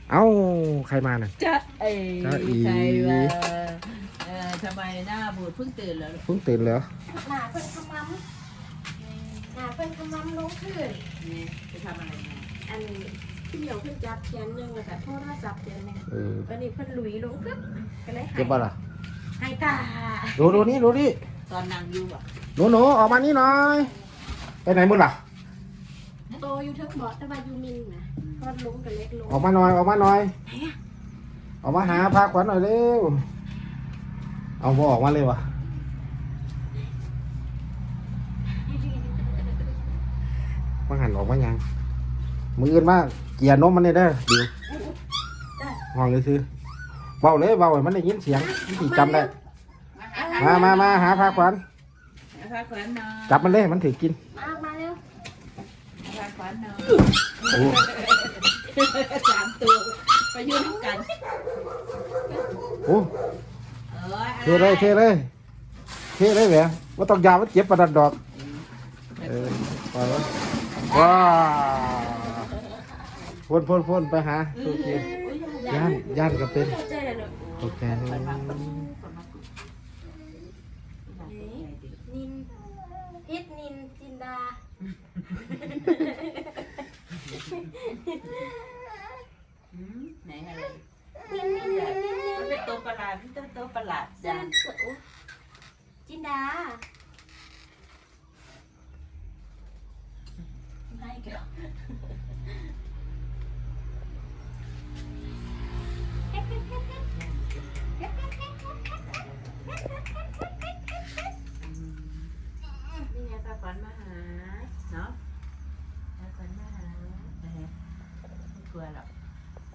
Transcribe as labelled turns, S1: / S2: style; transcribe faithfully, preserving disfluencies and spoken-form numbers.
S1: เอ้าใครมาน่ะ
S2: จะเอ๋
S1: จะอี
S2: ใครมาเออทำไมหน้าบูดเพิ่งตื่นแล้วลูก
S1: เพิ่งตื่นแล้ว
S3: หนาเพิ่นขมำหนาเพิ่นขมำลงขึ้น
S2: นี่ไปทำอะไรมา
S3: อันที่เหนียวเพิ่นจับแขนหนึงแล้วก็โทรศัพท์แขนหนึง
S1: เออ
S3: วันนี้เพิ่นหลุยลงปึ๊บก็เลยหาย
S1: เจ็บป่ะล่ะ
S3: หายตา
S1: ดูดูนี่ดูนี่
S2: ตอนนั่งอยู่อ่ะ
S1: หนูหนูออกมานี่หน่อยไปไหนมึงล่ะ
S3: โตอยู่เทิงเบาะแต่ว่าอยู่มินนะพอดลงก็เล็กลง
S1: ออกมาหน่อยออกมาหน่อยออกมาหาพาขวัญหน่อยเร็วเอาบ่ออกมาเลยวะมาหันออกมายังมืออื่นมาเกลียนมมันเลยเด้อเดี๋ยวห้องเลยคือเบาเลยเบาให้มันได้ยินเสียงมันสิจำได้ มามามาหาพาขวัญ
S2: พาขวัญนอน
S1: จับมันเลยมันถือกิน
S3: มามาเร็ว
S2: พาขวัญนอน
S1: โอ้
S2: สามตัวไปยืนกัน
S1: โอ้
S2: เออ
S1: เทเลยเทเลยเทเลยแหวะว่าต้องยาวมันเจ็บประดันดอกเออไปวะว้าพ่นพ่นพ่นไปหาโอเคย่านย่านก็เป็น
S3: เข้าใจแล้วเนอะ
S1: โอเค
S3: นินพิษนินจินดา
S2: ไหนอะไร
S3: นินนินนินนินนิน
S2: มันเป็นตัวประหลาดมันเป็นตัวประหลาด
S3: เส้
S2: จั
S3: น
S2: ง
S3: สวยอุ๊ยจินดาไม่เกี่ยว
S2: นี่ไงพาขวัญมาหาเนาะพาขวัญมาหาไม่กลัวหรอก